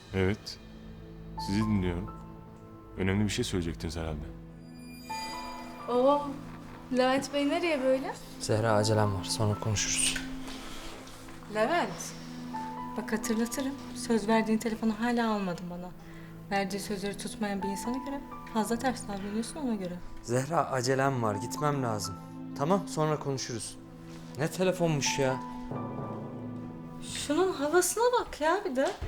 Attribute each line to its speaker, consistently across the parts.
Speaker 1: Evet. Sizi dinliyorum. Önemli bir şey söyleyecektiniz herhalde.
Speaker 2: Oo, Levent Bey nereye böyle?
Speaker 3: Zehra acelem var. Sonra konuşuruz.
Speaker 2: Levent. Bak hatırlatırım. Söz verdiğin telefonu hala almadın bana. Verdiği sözleri tutmayan bir insana göre fazla ters davranıyorsun ona göre.
Speaker 3: Zehra acelem var. Gitmem lazım. Tamam sonra konuşuruz. Ne telefonmuş ya?
Speaker 2: Şunun havasına bak ya bir de.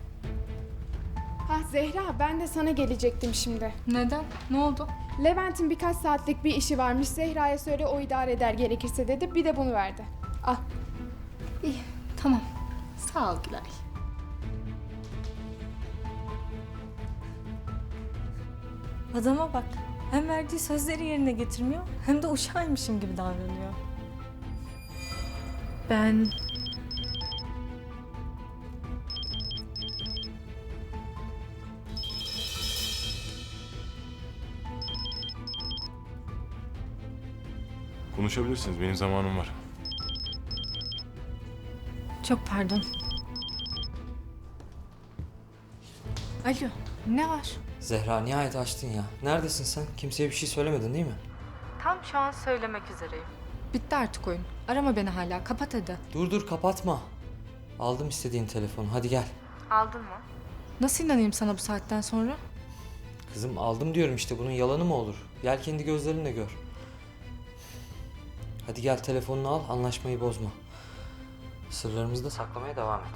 Speaker 4: Zehra, ben de sana gelecektim şimdi.
Speaker 2: Neden? Ne oldu?
Speaker 4: Levent'in birkaç saatlik bir işi varmış. Zehra'ya söyle, o idare eder gerekirse dedi. Bir de bunu verdi. Al.
Speaker 2: İyi, tamam. Sağ ol Gülay. Adama bak. Hem verdiği sözleri yerine getirmiyor hem de uşağıymışım gibi davranıyor. Ben...
Speaker 1: Konuşabilirsiniz. Benim zamanım var.
Speaker 2: Çok pardon. Alo, ne var?
Speaker 3: Zehra nihayet açtın ya. Neredesin sen? Kimseye bir şey söylemedin değil mi?
Speaker 2: Tam şu an söylemek üzereyim. Bitti artık oyun. Arama beni hala. Kapat hadi.
Speaker 3: Dur kapatma. Aldım istediğin telefonu. Hadi gel.
Speaker 2: Aldın mı? Nasıl inanayım sana bu saatten sonra?
Speaker 3: Kızım aldım diyorum işte. Bunun yalanı mı olur? Gel kendi gözlerinle gör. Hadi gel telefonunu al. Anlaşmayı bozma. Sırlarımızı da saklamaya devam et.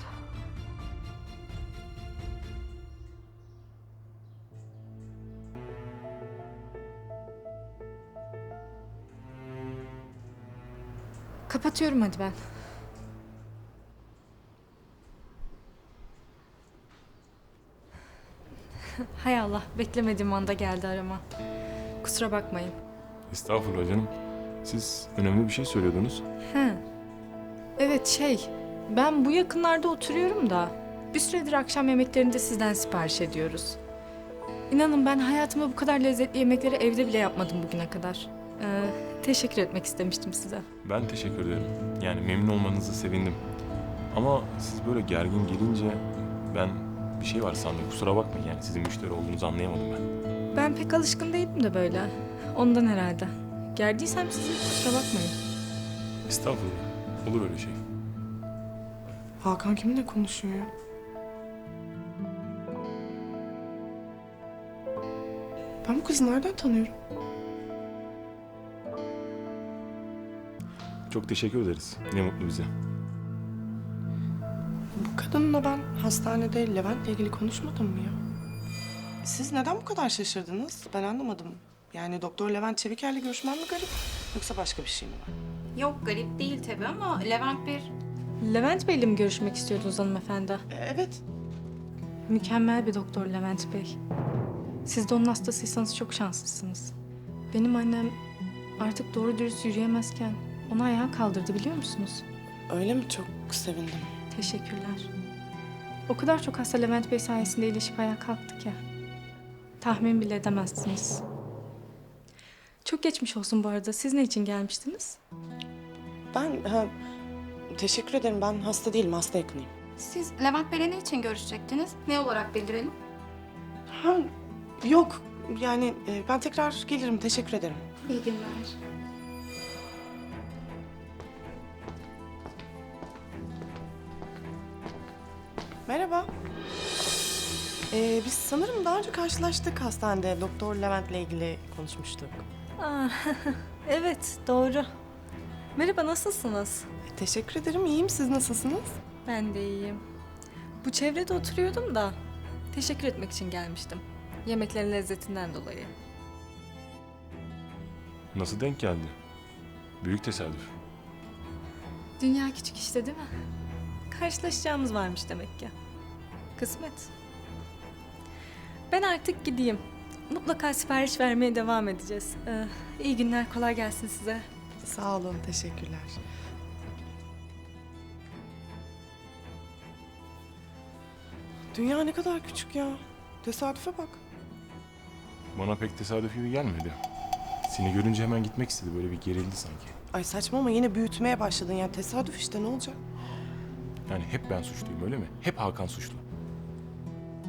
Speaker 2: Kapatıyorum hadi ben. Hay Allah, beklemediğim anda geldi arama. Kusura bakmayın.
Speaker 1: Estağfurullah canım. Siz önemli bir şey söylüyordunuz.
Speaker 2: He. Evet ben bu yakınlarda oturuyorum da bir süredir akşam yemeklerinde sizden sipariş ediyoruz. İnanın ben hayatımda bu kadar lezzetli yemekleri evde bile yapmadım bugüne kadar. Teşekkür etmek istemiştim size.
Speaker 1: Ben teşekkür ederim. Yani memnun olmanızı sevindim. Ama siz böyle gergin gelince ben bir şey var sandım. Kusura bakmayın yani sizin müşteri olduğunuzu anlayamadım ben.
Speaker 2: Ben pek alışkın değilim de böyle. Ondan herhalde. Gerdiysem sizi kusura bakmayın.
Speaker 1: Estağfurullah. Olur öyle şey.
Speaker 5: Hakan kiminle konuşuyor ya? Ben bu kızı nereden tanıyorum?
Speaker 1: Çok teşekkür ederiz. Ne mutlu bize.
Speaker 5: Bu kadınla ben hastanede Levent'le ilgili konuşmadım mı ya? Siz neden bu kadar şaşırdınız? Ben anlamadım. Yani Doktor Levent Çeviker'le görüşmem mi garip? Yoksa başka bir şey mi var?
Speaker 6: Yok garip değil tabii ama Levent bir...
Speaker 2: Levent Bey'le mi görüşmek istiyordunuz hanımefendi?
Speaker 5: Evet.
Speaker 2: Mükemmel bir doktor Levent Bey. Siz de onun hastasıysanız çok şanslısınız. Benim annem artık doğru dürüst yürüyemezken onu ayağa kaldırdı biliyor musunuz?
Speaker 5: Öyle mi? Çok sevindim.
Speaker 2: Teşekkürler. O kadar çok hasta Levent Bey sayesinde iyileşip ayağa kalktık ya. Tahmin bile edemezsiniz. Çok geçmiş olsun bu arada. Siz ne için gelmiştiniz?
Speaker 5: Teşekkür ederim. Ben hasta değilim. Hasta yakınıyım.
Speaker 6: Siz Levent Bey'le ne için görüşecektiniz? Ne olarak bildirelim?
Speaker 5: Ha, yok. Yani ben tekrar gelirim. Teşekkür ederim.
Speaker 6: İyi günler.
Speaker 5: Merhaba. Biz sanırım daha önce karşılaştık hastanede. Doktor Levent'le ilgili konuşmuştuk.
Speaker 2: Aa, evet doğru. Merhaba nasılsınız?
Speaker 5: Teşekkür ederim. İyiyim. Siz nasılsınız?
Speaker 2: Ben de iyiyim. Bu çevrede oturuyordum da teşekkür etmek için gelmiştim. Yemeklerin lezzetinden dolayı.
Speaker 1: Nasıl denk geldi? Büyük tesadüf.
Speaker 2: Dünya küçük işte değil mi? Karşılaşacağımız varmış demek ki. Kısmet. Ben artık gideyim. Mutlaka sipariş vermeye devam edeceğiz. İyi günler, kolay gelsin size.
Speaker 5: Sağ olun. Teşekkürler. Dünya ne kadar küçük ya. Tesadüfe bak.
Speaker 1: Bana pek tesadüf gibi gelmedi. Seni görünce hemen gitmek istedi. Böyle bir gerildi sanki.
Speaker 5: Ay saçma ama yine büyütmeye başladın. Yani tesadüf işte ne olacak?
Speaker 1: Yani hep ben suçluyum öyle mi? Hep Hakan suçlu.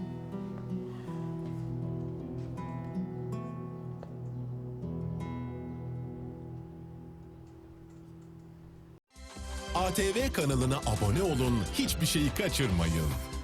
Speaker 7: ATV kanalına abone olun, hiçbir şeyi kaçırmayın.